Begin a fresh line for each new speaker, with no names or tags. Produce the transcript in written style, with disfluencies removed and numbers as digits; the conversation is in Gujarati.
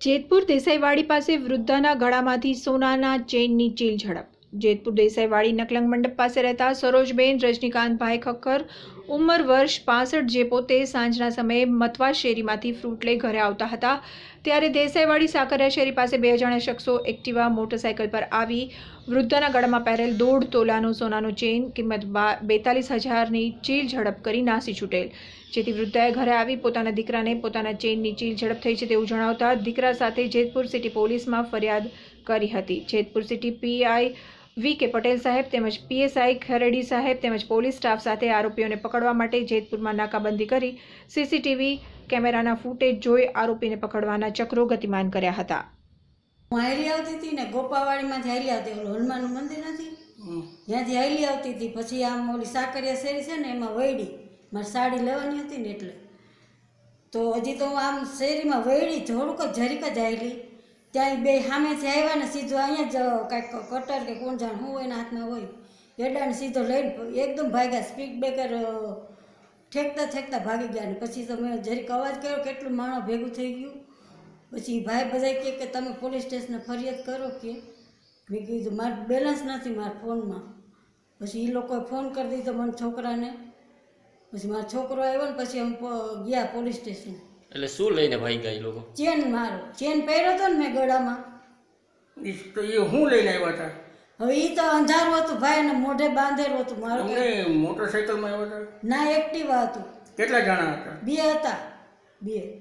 જેતપુર દેસાઈવાડી પાસે વૃદ્ધાના ગળામાંથી સોનાના ચેઇનની ચીલ ઝડપ. જેતપુર દેસાઈવાડી નકલંગ મંડપ પાસે રહેતા સરોજબેન રજનીકાંતભાઈ ખક્કર ઉંમર વર્ષ 65 જે પોતે સાંજના સમયે મથવા શેરીમાંથી ફ્રૂટ લઈ ઘરે આવતા હતા ત્યારે દેસાઈવાડી સાકરિયા શેરી પાસે બે અજાણ્યા શખ્સો એક્ટિવા મોટરસાઇકલ પર આવી વૃદ્ધાના ગળામાં પહેરેલ 1.5 તોલાનો સોનાનો ચેઇન કિંમત 42,000ની ચીલ ઝડપ કરી નાસી છૂટેલ. જેથી વૃદ્ધાએ ઘરે આવી પોતાના દીકરાને પોતાના ચેઇનની ચીલ ઝડપ થઈ છે તેવું જણાવતા દીકરા સાથે જેતપુર સિટી પોલીસમાં ફરિયાદ કરી હતી. Jetpur city PI V K. Patel સાહેબ તેમજ પીએસઆઈ ખરેડી સાહેબ તેમજ પોલીસ સ્ટાફ સાથે આરોપીઓને પકડવા માટે જેતપુરમાં નાકાબંધી કરી સીસીટીવી કેમેરાના ફૂટેજ જોઈ આરોપીને પકડવાના ચક્રો ગતિમાન કર્યા હતા.
હું હાલી આવતી હતી ને ગોપાવાડીમાંથી હાલી આવતી, ઓલું હનુમાનનું મંદિર નથી ત્યાંથી હાલી આવતી હતી. પછી આમ ઓલી સાકરિયા શેરી છે ને એમાં વૈડી મારે સાડી લેવાની હતી ને એટલે તો હજી તો આમ શેરીમાં વૈડી થોડુંક જ જરીક જ આવેલી ત્યાં બે સામેથી આવ્યા ને સીધો અહીંયા જ કાંઈક કટર કે કોણ જાણ શું એના હાથમાં હોય એડાને સીધો લઈને એકદમ ભાગ્યા. સ્પીડ બ્રેકર ઠેકતા ઠેકતા ભાગી ગયા. ને પછી તો મેં જરીક અવાજ કર્યો કેટલું માણસ ભેગું થઈ ગયું. પછી ભાઈ બધા કહે કે તમે પોલીસ સ્ટેશને ફરિયાદ કરો કે. મેં કીધું મારું બેલેન્સ નથી મારા ફોનમાં. પછી એ લોકોએ ફોન કરી દીધો મને છોકરાને. પછી મારો છોકરો આવ્યો ને પછી અમે ગયા પોલીસ સ્ટેશન.
એટલે શું લઈને ભાઈ ગયા એ લોકો?
ચેન, મારો ચેન પહેર્યો હતો ને મેં ગળામાં.
તો એ હું લઈને આવ્યા હતા?
હવે એ તો અંધારું હતું ભાઈ અને મોઢે બાંધેલું હતું. મારું
મોટરસાઇકલમાં આવ્યા હતા?
ના, એક્ટિવા હતું.
કેટલા જણા હતા?
2 હતા. 2